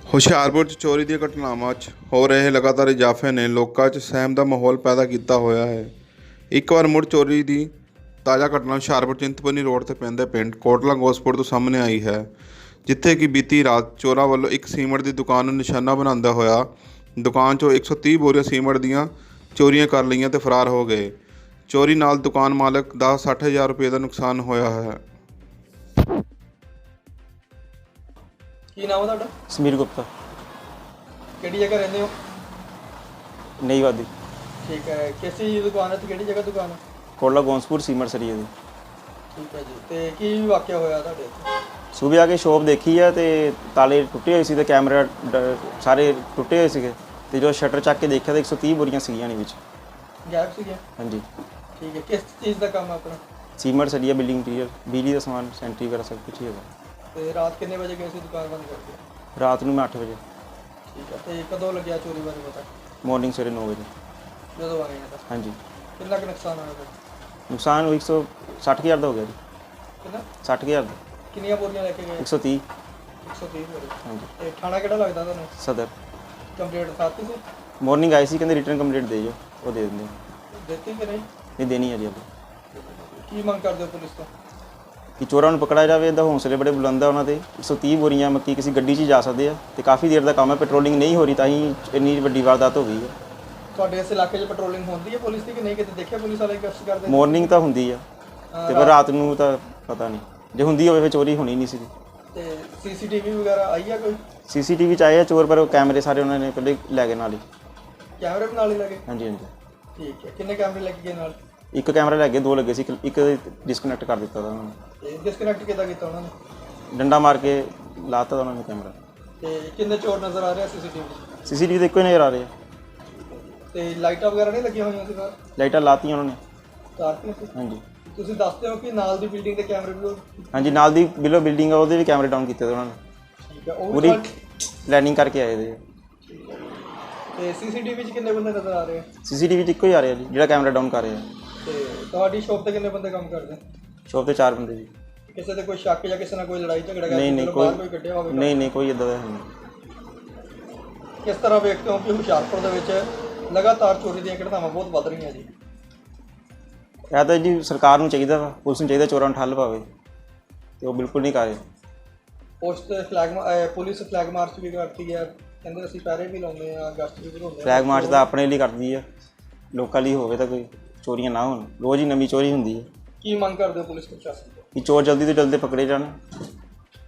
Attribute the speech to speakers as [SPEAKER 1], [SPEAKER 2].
[SPEAKER 1] ਹੁਸ਼ਿਆਰਪੁਰ 'ਚ ਚੋਰੀ ਦੀਆਂ ਘਟਨਾਵਾਂ 'ਚ ਹੋ ਰਹੇ ਲਗਾਤਾਰ ਇਜ਼ਾਫੇ ਨੇ ਲੋਕਾਂ 'ਚ ਸਹਿਮ ਦਾ ਮਾਹੌਲ ਪੈਦਾ ਕੀਤਾ ਹੋਇਆ ਹੈ। ਇੱਕ ਵਾਰ ਮੁੜ ਚੋਰੀ ਦੀ ਤਾਜ਼ਾ ਘਟਨਾ ਹੁਸ਼ਿਆਰਪੁਰ ਚਿੰਤਪੁਰਨੀ ਰੋਡ 'ਤੇ ਪੈਂਦੇ ਪਿੰਡ ਕੋਟਲਾ ਗੋਸਪੁਰ ਤੋਂ ਸਾਹਮਣੇ ਆਈ ਹੈ, ਜਿੱਥੇ ਕਿ ਬੀਤੀ ਰਾਤ ਚੋਰਾਂ ਵੱਲੋਂ ਇੱਕ ਸੀਮੈਂਟ ਦੀ ਦੁਕਾਨ ਨੂੰ ਨਿਸ਼ਾਨਾ ਬਣਾਉਂਦਾ ਹੋਇਆ ਦੁਕਾਨ 'ਚੋਂ 130 ਬੋਰੀਆਂ ਸੀਮੈਂਟ ਦੀਆਂ ਚੋਰੀਆਂ ਕਰ ਲਈਆਂ ਤੇ ਫਰਾਰ ਹੋ ਗਏ। ਚੋਰੀ ਨਾਲ ਦੁਕਾਨ ਮਾਲਕ ਦਾ 60,000 ਰੁਪਏ ਦਾ ਨੁਕਸਾਨ ਹੋਇਆ ਹੈ।
[SPEAKER 2] ਕੀ ਨਾਮ ਹੈ ਤੁਹਾਡਾ?
[SPEAKER 3] ਸਮੀਰ ਗੁਪਤਾ,
[SPEAKER 2] ਕਿਹੜੀ ਜਗ੍ਹਾ ਰਹਿੰਦੇ ਹੋ?
[SPEAKER 3] ਨਈ ਵਾਦੀ,
[SPEAKER 2] ਠੀਕ ਹੈ। ਕਿਸ ਚੀਜ਼ ਦੀ ਦੁਕਾਨ ਹੈ ਤੇ ਕਿਹੜੀ ਜਗ੍ਹਾ ਦੁਕਾਨ ਹੈ?
[SPEAKER 3] ਕੋਟਲਾ ਗੋਸਪੁਰ ਸੀਮੈਂਟ ਸਰੀਏ ਦੀ।
[SPEAKER 2] ਠੀਕ ਹੈ ਜੀ। ਤੇ ਕੀ ਵਾਕਿਆ ਹੋਇਆ ਤੁਹਾਡੇ ਇੱਥੇ?
[SPEAKER 3] ਸੂਬੇ ਆ ਕੇ ਸ਼ੋਪ ਦੇਖੀ ਹੈ ਤੇ ਤਾਲੇ ਟੁੱਟੇ ਹੋਏ ਸੀ ਤੇ ਕੈਮਰਾ ਸਾਰੇ ਟੁੱਟੇ ਹੋਏ ਸੀਗੇ ਤੇ ਜਦੋਂ ਸ਼ਟਰ ਚੱਕ ਕੇ ਦੇਖਿਆ ਤਾਂ 130 ਬੋਰੀਆਂ ਸੀਗੀਆਂ ਨੇ ਵਿੱਚ।
[SPEAKER 2] ਗਾਇਬ ਸੀਗੇ?
[SPEAKER 3] ਹਾਂਜੀ।
[SPEAKER 2] ਠੀਕ ਹੈ। ਕਿਸ ਚੀਜ਼ ਦਾ ਕੰਮ ਹੈ ਆਪਣਾ?
[SPEAKER 3] ਸੀਮੈਂਟ ਸਰੀਆ, ਬਿਲਡਿੰਗ ਮਟੀਰੀਅਲ, ਬਿਜਲੀ ਦਾ ਸਮਾਨ, ਸੈਂਟਰੀ ਵਗੈਰਾ ਸਭ ਕੁਝ ਹੀ ਹੈਗਾ।
[SPEAKER 2] ਤੇ ਰਾਤ ਕਿੰਨੇ ਵਜੇ ਗਏ ਸੀ ਦੁਕਾਨ ਬੰਦ ਕਰਕੇ?
[SPEAKER 3] ਰਾਤ ਨੂੰ ਮੈਂ 8 ਵਜੇ,
[SPEAKER 2] ਠੀਕ ਹੈ। ਤੇ ਕਦੋਂ ਲੱਗਿਆ ਚੋਰੀ ਬਾਰੇ ਪਤਾ?
[SPEAKER 3] ਮਾਰਨਿੰਗ ਸਵੇਰੇ 9 ਵਜੇ।
[SPEAKER 2] ਜਦੋਂ ਆਏ ਤਾਂ
[SPEAKER 3] ਹਾਂਜੀ।
[SPEAKER 2] ਕਿੰਨਾ ਕੁ ਨੁਕਸਾਨ ਹੋਇਆ ਫਿਰ?
[SPEAKER 3] ਨੁਕਸਾਨ 160,000 ਦਾ ਹੋ ਗਿਆ ਜੀ।
[SPEAKER 2] ਕਿੰਨਾ?
[SPEAKER 3] 60,000 ਦਾ।
[SPEAKER 2] ਕਿੰਨੀਆਂ ਬੋਰੀਆਂ ਲੈ ਕੇ ਗਏ?
[SPEAKER 3] 130।
[SPEAKER 2] 130 ਬੋਰੀ।
[SPEAKER 3] ਹਾਂਜੀ।
[SPEAKER 2] ਤੇ ਥਾਣਾ ਕਿਹੜਾ ਲੱਗਦਾ ਤੁਹਾਨੂੰ?
[SPEAKER 3] ਸਦਰ।
[SPEAKER 2] ਕੰਪਲੀਟ ਸਾਥੀ ਸੀ?
[SPEAKER 3] ਮਾਰਨਿੰਗ ਆਈ ਸੀ, ਕਹਿੰਦੇ ਰਿਟਰਨ ਕੰਪਲੀਟ ਦੇ ਜਾਓ, ਉਹ ਦੇ ਦਿੰਦੇ ਆ।
[SPEAKER 2] ਦਿੱਤੀ ਕਿ ਨਹੀਂ?
[SPEAKER 3] ਨਹੀਂ ਦੇਣੀ ਹੈ ਜੀ ਅੱਗੇ।
[SPEAKER 2] ਕੀ ਮੰਗ ਕਰਦੇ ਹੋ ਪੁਲਿਸ ਤੋਂ?
[SPEAKER 3] ਕਿ ਚੋਰਾਂ ਨੂੰ ਪਕੜਿਆ ਜਾਵੇ। ਇਹਦਾ ਹੌਸਲੇ ਬੜੇ ਬੁਲੰਦ ਆ ਉਹਨਾਂ ਦੇ। 130 ਬੋਰੀਆਂ ਮੱਕੀ ਕਿਸੇ ਗੱਡੀ 'ਚ ਹੀ ਜਾ ਸਕਦੇ ਆ ਤੇ ਕਾਫੀ ਦੇਰ ਦਾ ਕੰਮ ਹੈ। ਪੈਟਰੋਲਿੰਗ ਨਹੀਂ ਹੋ ਰਹੀ ਤਾਂ ਹੀ ਇੰਨੀ ਵੱਡੀ ਵਾਰਦਾਤ ਹੋ ਗਈ ਹੈ।
[SPEAKER 2] ਤੁਹਾਡੇ ਇਸ ਇਲਾਕੇ 'ਚ ਪੈਟਰੋਲਿੰਗ ਹੁੰਦੀ ਹੈ ਪੁਲਿਸ ਦੀ ਕਿ ਨਹੀਂ? ਕਿਤੇ ਦੇਖਿਆ ਪੁਲਿਸ ਵਾਲੇ ਗਸ਼ਤ ਕਰਦੇ?
[SPEAKER 3] ਮਾਰਨਿੰਗ ਤਾਂ ਹੁੰਦੀ ਆ ਤੇ ਪਰ ਰਾਤ ਨੂੰ ਤਾਂ ਪਤਾ ਨਹੀਂ। ਜੇ ਹੁੰਦੀ ਹੋਵੇ ਫਿਰ ਚੋਰੀ ਹੋਣੀ ਨਹੀਂ ਸੀ।
[SPEAKER 2] ਤੇ ਸੀਸੀਟੀਵੀ ਵਗੈਰਾ ਆਈ ਆ ਕੋਈ?
[SPEAKER 3] ਸੀਸੀਟੀਵੀ 'ਚ ਆਏ ਆ ਚੋਰ, ਪਰ ਉਹ ਕੈਮਰੇ ਸਾਰੇ ਉਹਨਾਂ ਨੇ ਪਹਿਲੇ ਲੈ ਗਏ ਨਾਲ ਹੀ।
[SPEAKER 2] ਕੈਮਰੇ ਵੀ ਨਾਲ ਹੀ ਲੱਗੇ?
[SPEAKER 3] ਹਾਂਜੀ ਹਾਂਜੀ।
[SPEAKER 2] ਠੀਕ ਹੈ। ਕਿੰਨੇ ਕੈਮਰੇ ਲੱਗੇ ਗਏ ਨਾਲ?
[SPEAKER 3] ਇੱਕ ਕੈਮਰਾ ਲੈ ਗਏ, 2 ਲੱਗੇ ਸੀ, ਇੱਕ ਡਿਸਕਨੈਕਟ ਕਰ ਦਿੱਤਾ ਤਾ ਉਹਨਾਂ ਨੇ।
[SPEAKER 2] ਤੇ ਡਿਸਕਨੈਕਟ ਕਿੱਦਾਂ ਕੀਤਾ ਉਹਨਾਂ ਨੇ?
[SPEAKER 3] ਡੰਡਾ ਮਾਰ ਕੇ ਲਾਤਾ ਤਾ ਉਹਨਾਂ ਨੇ ਕੈਮਰਾ।
[SPEAKER 2] ਤੇ ਕਿੰਨੇ ਚੋਰ ਨਜ਼ਰ ਆ ਰਹੇ ਆ ਸੀਸੀਟੀਵੀ?
[SPEAKER 3] ਸੀਸੀਟੀਵੀ 'ਤੇ ਇੱਕੋ ਹੀ ਨਜ਼ਰ ਆ ਰਹੇ ਆ।
[SPEAKER 2] ਤੇ ਲਾਈਟਾਂ ਵਗੈਰਾ ਨਹੀਂ ਲੱਗੀਆਂ ਹੋਈਆਂ ਸੀ ਬਾਹਰ?
[SPEAKER 3] ਲਾਈਟਾਂ ਲਾਤੀਆਂ ਉਹਨਾਂ ਨੇ।
[SPEAKER 2] ਤਾਰਤੀਆਂ ਸੀ?
[SPEAKER 3] ਹਾਂਜੀ
[SPEAKER 2] ਤੁਸੀਂ ਦੱਸਦੇ ਹੋ ਕਿ ਨਾਲ ਦੀ ਬਿਲਡਿੰਗ ਦੇ ਕੈਮਰੇ ਵੀ
[SPEAKER 3] ਹਾਂਜੀ, ਨਾਲ ਦੀ ਬਿਲੋ ਬਿਲਡਿੰਗ ਆ, ਉਹਦੇ ਵੀ ਕੈਮਰੇ ਡਾਊਨ ਕੀਤੇ ਤੇ ਉਹਨਾਂ ਨੇ।
[SPEAKER 2] ਠੀਕ ਹੈ। ਉਹ ਵੀ
[SPEAKER 3] ਪੂਰੀ ਪਲੈਨਿੰਗ ਕਰਕੇ ਆਏ ਦੇ।
[SPEAKER 2] ਠੀਕ ਹੈ। ਤੇ ਸੀਸੀਟੀਵੀ 'ਚ ਕਿੰਨੇ ਬੰਦੇ ਨਜ਼ਰ ਆ ਰਹੇ ਆ?
[SPEAKER 3] ਸੀਸੀਟੀਵੀ 'ਚ ਇੱਕੋ ਹੀ ਆ ਰਿਹਾ ਜੀ, ਜਿਹੜਾ ਕੈਮਰਾ ਡਾਊਨ ਕਰ ਰਿਹਾ।
[SPEAKER 2] ਤੇ ਤੁਹਾਡੀ ਸ਼ੋਪ ਤੇ ਕਿੰਨੇ ਬੰਦੇ ਕੰਮ ਕਰਦੇ?
[SPEAKER 3] ਸ਼ੋਪ ਤੇ 4 ਬੰਦੇ ਜੀ।
[SPEAKER 2] ਕਿਸੇ ਤੇ ਕੋਈ ਸ਼ੱਕ ਜਾਂ ਕਿਸੇ ਨਾਲ ਕੋਈ ਲੜਾਈ ਝਗੜਾ
[SPEAKER 3] ਨਹੀਂ ਨਹੀਂ,
[SPEAKER 2] ਬਾਹਰ ਕੋਈ ਕੱਢਿਆ ਹੋਵੇ?
[SPEAKER 3] ਨਹੀਂ ਕੋਈ ਇੱਦਾਂ ਦਾ ਹੈ ਨਹੀਂ।
[SPEAKER 2] ਕਿਸ ਤਰ੍ਹਾਂ ਵੇਖਦੇ ਹੋ ਕਿ ਹੁਸ਼ਿਆਰਪੁਰ ਦੇ ਵਿੱਚ ਲਗਾਤਾਰ ਚੋਰੀ ਦੀਆਂ ਘਟਨਾਵਾਂ ਬਹੁਤ ਵੱਧ ਰਹੀਆਂ ਜੀ?
[SPEAKER 3] ਇਹ ਤਾਂ ਜੀ ਸਰਕਾਰ ਨੂੰ ਚਾਹੀਦਾ ਵਾ, ਪੁਲਿਸ ਨੂੰ ਚਾਹੀਦਾ ਚੋਰਾਂ ਨੂੰ ਠੱਲ ਪਾਵੇ ਤੇ ਉਹ ਬਿਲਕੁਲ ਨਹੀਂ ਕਰ ਰਹੇ।
[SPEAKER 2] ਪੁਲਿਸ ਫਲੈਗ ਮਾਰਚ ਵੀ ਕਰਦੀ ਹੈ, ਕਹਿੰਦੇ ਅਸੀਂ ਪੈਰੇ ਵੀ ਲਾਉਂਦੇ ਆ, ਗਸ਼ਤ ਵੀ ਬਣਾਉਂਦੇ ਆ।
[SPEAKER 3] ਫਲੈਗ ਮਾਰਚ ਤਾਂ ਆਪਣੇ ਲਈ ਕਰਦੀ ਆ, ਲੋਕਾਂ ਲਈ ਹੋਵੇ ਤਾਂ ਕੋਈ ਚੋਰੀਆਂ ਨਾ ਹੋਣ। ਰੋਜ਼ ਹੀ ਨਵੀਂ ਚੋਰੀ ਹੁੰਦੀ ਹੈ।
[SPEAKER 2] ਕੀ ਮੰਗ ਕਰਦੇ ਹੋ ਪੁਲਿਸ ਪ੍ਰਸ਼ਾਸਨ ਤੋਂ?
[SPEAKER 3] ਕਿ ਚੋਰ ਜਲਦੀ ਤੋਂ ਜਲਦੀ ਪਕੜੇ ਜਾਣ